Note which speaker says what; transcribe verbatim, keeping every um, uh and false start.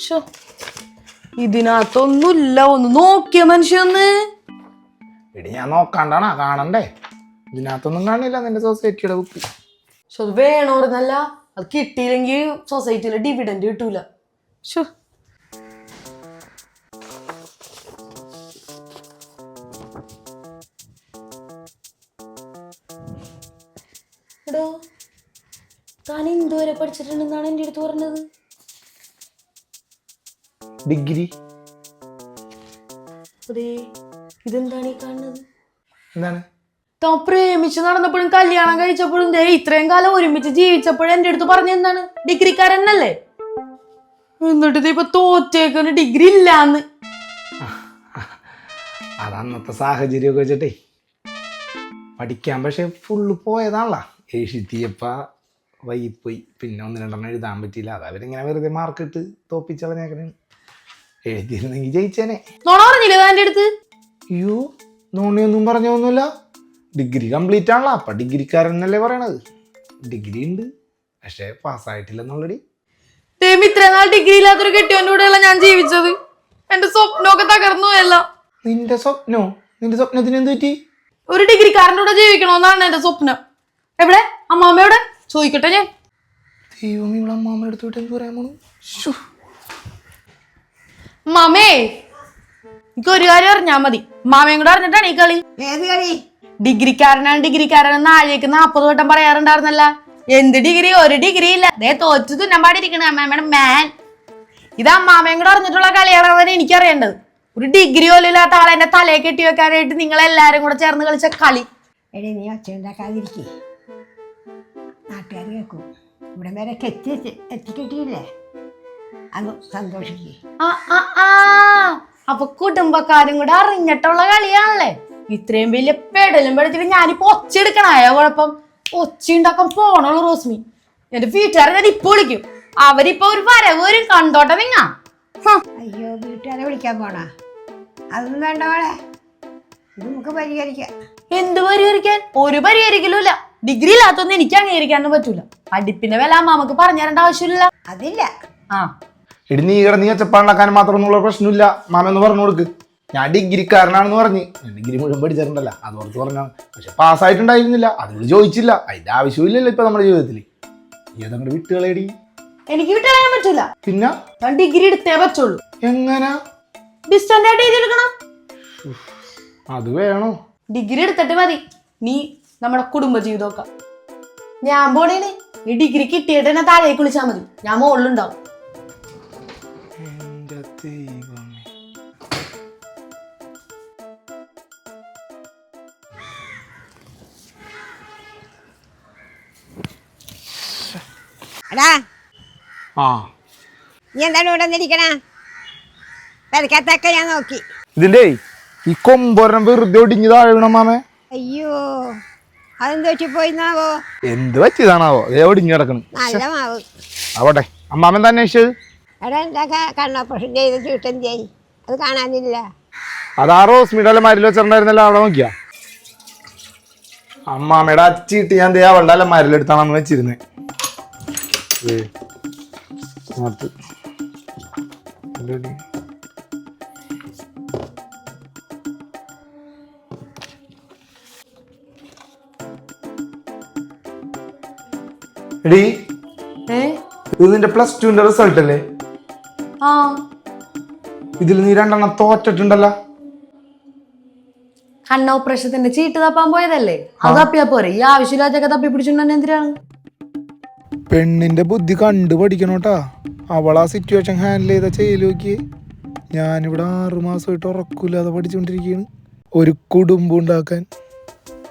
Speaker 1: ഇതിനകത്തൊന്നുമില്ല, ഒന്ന് നോക്കിയ മനുഷ്യന്ന്.
Speaker 2: എടി ഞാൻ നോക്കാണ്ടാണാ കാണണ്ടേ? ഇതിനകത്തൊന്നും കാണില്ല നിന്റെ സൊസൈറ്റിയുടെ ബുക്ക്.
Speaker 1: പക്ഷെ അത് വേണോർന്നല്ല, അത് കിട്ടിയില്ലെങ്കിൽ സൊസൈറ്റിയിലെ ഡിവിഡൻഡ് കിട്ടൂല. ഷോ എടോ, താൻ എന്തുവരെ പഠിച്ചിട്ടുണ്ടെന്നാണ് എൻ്റെ അടുത്ത് പറഞ്ഞത്?
Speaker 2: ഡിഗ്രി.
Speaker 1: അതെ, ഇതെന്താണ് ഈ കാണുന്നത്?
Speaker 2: എന്താണ്?
Speaker 1: താൻ പ്രേമിച്ച് നടന്നപ്പോഴും കല്യാണം കഴിച്ചപ്പോഴും ദേ ഇത്രയും കാലം ഒരുമിച്ച് ജീവിച്ചപ്പോഴും എൻ്റെ അടുത്ത് പറഞ്ഞ എന്താണ്? ഡിഗ്രിക്കാരനല്ലേ? എന്നിട്ട് ഇത് ഇപ്പൊ തോറ്റേക്കുന്ന ഡിഗ്രി ഇല്ലാന്ന്.
Speaker 2: അത് അന്നത്തെ സാഹചര്യമൊക്കെ വെച്ചിട്ടേ പഠിക്കാൻ പക്ഷെ ഫുള്ള് പോയതാണല്ലോ. എഴുതിയപ്പ വൈകിപ്പോയി, പിന്നെ ഒന്ന് രണ്ടെണ്ണം എഴുതാൻ പറ്റിയില്ല. അത് അവരിങ്ങനെ വെറുതെ മാർക്കിട്ട് തോപ്പിച്ചളഞ്ഞേക്കണേ. എഴുതിയിരുന്നെങ്കിൽ ജയിച്ചേനെ.
Speaker 1: നോണ പറഞ്ഞില്ലേ താൻ്റെ അടുത്ത്?
Speaker 2: അയ്യോ, നോണിയൊന്നും പറഞ്ഞൊന്നുമില്ല. ഡിഗ്രി കംപ്ലീറ്റ് ആണല്ലോ, അപ്പം ഡിഗ്രിക്കാരനല്ലേ പറയണത്. ഡിഗ്രി ഉണ്ട് പക്ഷെ പാസ്സായിട്ടില്ലെന്നുള്ളടി.
Speaker 1: ഇത്ര നാൾ ഡിഗ്രി ഇല്ലാത്തൊരു കെട്ടിയോൻ്റെ കൂടെയല്ല ഞാൻ ജീവിച്ചത്. എന്റെ സ്വപ്നമൊക്കെ തകർന്നു അല്ല.
Speaker 2: നിന്റെ സ്വപ്നോ? നിന്റെ സ്വപ്നത്തിന് എന്ത് പറ്റി?
Speaker 1: ഒരു ഡിഗ്രിക്കാരൻ്റെ കൂടെ ജീവിക്കണമെന്നാണ് എന്റെ സ്വപ്നം. എവിടെ അമ്മാമ്മയോടെ ചോദിക്കട്ടെ ഞാൻ.
Speaker 2: ദൈവം, ഇവിടെ അമ്മാമ്മ എടുത്തോട്ട് എന്ത് പറയാൻ പോണു?
Speaker 1: മാമേ, എനിക്ക് ഒരു കാര്യം അറിഞ്ഞാ മതി. മാമയും കൂടെ അറിഞ്ഞിട്ടാണ് ഈ കളി.
Speaker 3: ഏത് കളി?
Speaker 1: ഡിഗ്രിക്കാരനാണ് ഡിഗ്രിക്കാരൻ ആഴേക്ക് നാപ്പത് വട്ടം പറയാറുണ്ടായിരുന്നല്ല. എന്ത് ഡിഗ്രി? ഒരു ഡിഗ്രി ഇല്ല. അതേ തോറ്റു തുന്നമ്പാടിരിക്കണ അമ്മയുടെ മാൻ. ഇത് അമ്മാമയും കൂടെ അറിഞ്ഞിട്ടുള്ള കളിയാണെന്നാണ് എനിക്കറിയേണ്ടത്. ഒരു ഡിഗ്രി പോലും ഇല്ലാത്ത ആളെ എന്റെ തലയെ കെട്ടി വെക്കാനായിട്ട് നിങ്ങൾ എല്ലാരും കൂടെ ചേർന്ന് കളിച്ച കളി.
Speaker 3: എടേ, നീ ഒച്ച ഉണ്ടാക്കാതിരിക്കേ, നാട്ടുകാർ കേൾക്കും. ഇവിടെ വരെ കെത്തി എത്തിക്കെട്ടിയില്ലേ, അത് സന്തോഷിക്കേ.
Speaker 1: ആ ആ ആ അപ്പൊ കുടുംബക്കാരും കൂടെ അറിഞ്ഞിട്ടുള്ള കളിയാണല്ലേ. ഇത്രയും വലിയ പെടലും പെടുത്തിട്ട് ഞാനിപ്പോ ഒച്ച എടുക്കണായ കുഴപ്പം? ഒച്ച ഉണ്ടാക്കാൻ പോണുള്ളൂ റോസ്മി. എന്റെ വീട്ടുകാരെ ഞാൻ ഇപ്പൊ വിളിക്കും. അവരിപ്പൊ ഒരു വരവ് വരും, കണ്ടോട്ടെ നിങ്ങ.
Speaker 3: അയ്യോ, വീട്ടുകാരെ വിളിക്കാൻ പോണാ? അതൊന്നും വേണ്ട മോളെ, ഇത് നമുക്ക് പരിഹരിക്കാം.
Speaker 1: എന്ത് പരിഹരിക്കാൻ? ഒരു പരിഹരിക്കലും ഇല്ല. ഡിഗ്രി ഇല്ലാത്തൊന്നും എനിക്ക് അംഗീകരിക്കാനൊന്നും പറ്റൂല. പഠിപ്പിന്റെ വില അമ്മാമക്ക് പറഞ്ഞു തരേണ്ട ആവശ്യമില്ല.
Speaker 3: അതില്ല.
Speaker 1: ആ
Speaker 2: എടി, നീ കിടന്ന് ഒച്ചപ്പാണ്ടാക്കാൻ മാത്രമൊന്നുള്ള പ്രശ്നമില്ല. മാമെന്ന് പറഞ്ഞു കൊടുക്ക്. ഞാൻ ഡിഗ്രിക്കാരനാണെന്ന് പറഞ്ഞ് ഡിഗ്രി മുഴുവൻ പഠിച്ചിട്ടുണ്ടല്ലോ, അത് ഓർത്ത് പറഞ്ഞാണ്. പക്ഷെ പാസ്സായിട്ടുണ്ടായിരുന്നില്ല, അതിനോട് ചോദിച്ചില്ല. അതിന്റെ ആവശ്യമില്ലല്ലോ ഇപ്പൊ നമ്മുടെ ജീവിതത്തിൽ. ഏതങ്ങോട്ട് വിട്ടുകളേടി.
Speaker 1: എനിക്ക് വിട്ടുകളയാൻ പറ്റൂല.
Speaker 2: പിന്നെ
Speaker 1: ഞാൻ ഡിഗ്രി എടുത്തേ പറ്റുള്ളൂ.
Speaker 2: എങ്ങനെ?
Speaker 1: ഡിസ്റ്റന്റ് ആയിട്ട് എഴുതിയെടുക്കണം.
Speaker 2: അത് വേണോ?
Speaker 1: ഡിഗ്രി എടുത്തിട്ട് മതി നീ നമ്മുടെ കുടുംബ ജീവിതമൊക്കെ. ഞാൻ പോണേന് ഈ ഡിഗ്രി കിട്ടിയിട്ട് എന്നെ താഴേക്ക് വിളിച്ചാൽ മതി, ഞാൻ മുകളിലുണ്ടാവും.
Speaker 3: എടാ,
Speaker 2: ആ
Speaker 3: നീ എന്താണ് ഇവിടെ വന്നിരിക്കണ? പെരക്കത്തൊക്കെ ഞാൻ നോക്കി.
Speaker 2: ഇതിന്റെ ഈ കൊമ്പൊരം വെറുതെ ഒടിഞ്ഞു താഴെ വീണം മാമേ.
Speaker 3: അയ്യോ, അതെന്ത് വെച്ച് പോയിന്നാവോ?
Speaker 2: എന്ത് പറ്റിയതാണാവോ? അതേ ഒടിഞ്ഞു കിടക്കണം.
Speaker 3: നല്ല മാവ്.
Speaker 2: ആവട്ടെ, അമ്മാമൻ തന്നെ അന്വേഷിച്ചത്?
Speaker 3: എടാ, എന്താ കണ്ണോപ്പറേഷൻ ചെയ്ത് ചൂട്ടൻ ചെയ്, അത് കാണാനില്ല.
Speaker 2: അതാ റോസ്മിയുടെ മരിൽ വെച്ചിട്ടുണ്ടായിരുന്നല്ലോ, അവിടെ നോക്കിയാ? അമ്മാമ്മയുടെ അച്ചിട്ട് ഞാൻ ദേ അവളുടെ അല്ല മരലെടുത്താണെന്ന് വെച്ചിരുന്നേ. എടീ, ഇത് നിന്റെ പ്ലസ് ടുവിന്റെ റിസൾട്ട് അല്ലേ?
Speaker 1: ആ,
Speaker 2: ഇതിൽ നീ രണ്ടെണ്ണം തോറ്റിട്ടുണ്ടല്ലോ.
Speaker 1: കണ്ണ ഓപ്പറേഷത്തിന്റെ ചീട്ട് തപ്പാൻ പോയതല്ലേ, അത് തപ്പിയാ പോരെ. ഈ ആവശ്യമില്ലാത്തൊക്കെ തപ്പി പിടിച്ചിട്ടുണ്ടെ എന്തിനാണ്?
Speaker 2: പെണ്ണിന്റെ ബുദ്ധി കണ്ടു പഠിക്കണോട്ടാ. അവൾ ആ സിറ്റുവേഷൻ ഹാൻഡിൽ ചെയ്ത ചെയ്യൽ നോക്കിയേ. ഞാനിവിടെ ആറു മാസമായിട്ട് ഉറക്കൂലാതെ പഠിച്ചുകൊണ്ടിരിക്കുകയാണ് ഒരു കുടുംബം ഉണ്ടാക്കാൻ.